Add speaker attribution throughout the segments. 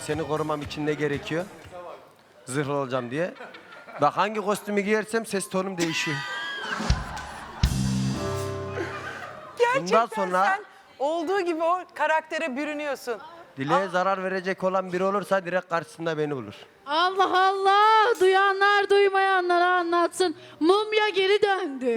Speaker 1: seni korumam için ne gerekiyor? Zırhlı olacağım diye. Bak hangi kostümü giyersem ses tonum değişiyor.
Speaker 2: Gerçekten
Speaker 1: Bundan sonra-
Speaker 2: sen olduğu gibi o karaktere bürünüyorsun.
Speaker 1: Dileğe zarar verecek olan biri olursa direkt karşısında beni bulur.
Speaker 3: Allah Allah! Duyanlar duymayanlara anlatsın. Mumya geri döndü.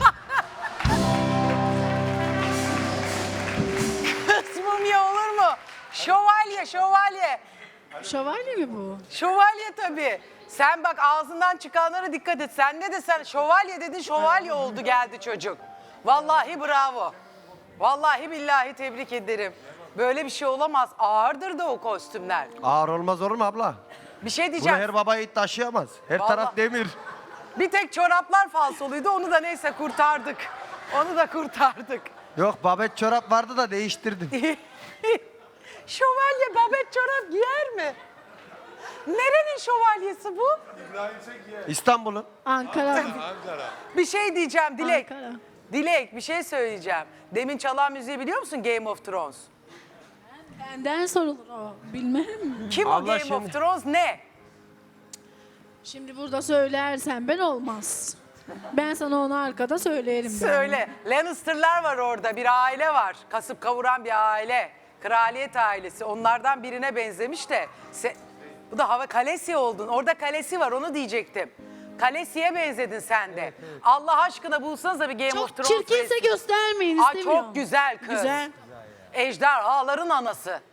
Speaker 2: Kısmım ya olur mu? Şövalye, şövalye.
Speaker 3: Şövalye mi bu?
Speaker 2: Şövalye tabii. Sen bak ağzından çıkanlara dikkat et. Sen ne desen şövalye dedin, şövalye oldu geldi çocuk. Vallahi bravo. Vallahi billahi tebrik ederim. Böyle bir şey olamaz. Ağırdır da o kostümler.
Speaker 1: Ağır olmaz olur mu abla?
Speaker 2: Bir şey
Speaker 1: Bunu
Speaker 2: diyeceğim.
Speaker 1: her baba yiğit taşıyamaz. Her
Speaker 2: Vallahi.
Speaker 1: taraf demir.
Speaker 2: Bir tek çoraplar falsoluydu. Onu da neyse kurtardık. Onu da kurtardık.
Speaker 1: Yok babet çorap vardı da değiştirdim.
Speaker 2: Şövalye babet çorap giyer mi? Nerenin şövalyesi bu?
Speaker 1: İstanbul'un.
Speaker 3: Ankara.
Speaker 2: Bir şey diyeceğim Dilek.
Speaker 3: Ankara.
Speaker 2: Dilek bir şey söyleyeceğim. Demin çalan müziği biliyor musun Game of Thrones?
Speaker 3: Benden sorulur o. Bilmem.
Speaker 2: Kim o
Speaker 1: Allah
Speaker 2: Game
Speaker 1: şimdi-
Speaker 2: of Thrones ne?
Speaker 3: Şimdi burada söylersen ben olmaz. Ben sana onu arkada söylerim. ben.
Speaker 2: Söyle. Lannister'lar var orada bir aile var. Kasıp kavuran bir aile. Kraliyet ailesi. Onlardan birine benzemiş de. Bu da hava Kalesi oldun. Orada Kalesi var onu diyecektim. Kalesi'ye benzedin sen de. Allah aşkına bulsanıza bir Game of
Speaker 3: Çok
Speaker 2: Thrones
Speaker 3: çirkinse
Speaker 2: resmi.
Speaker 3: göstermeyin
Speaker 2: Aa,
Speaker 3: istemiyorum.
Speaker 2: çok güzel kız.
Speaker 3: Güzel.
Speaker 2: Ejderhaların anası.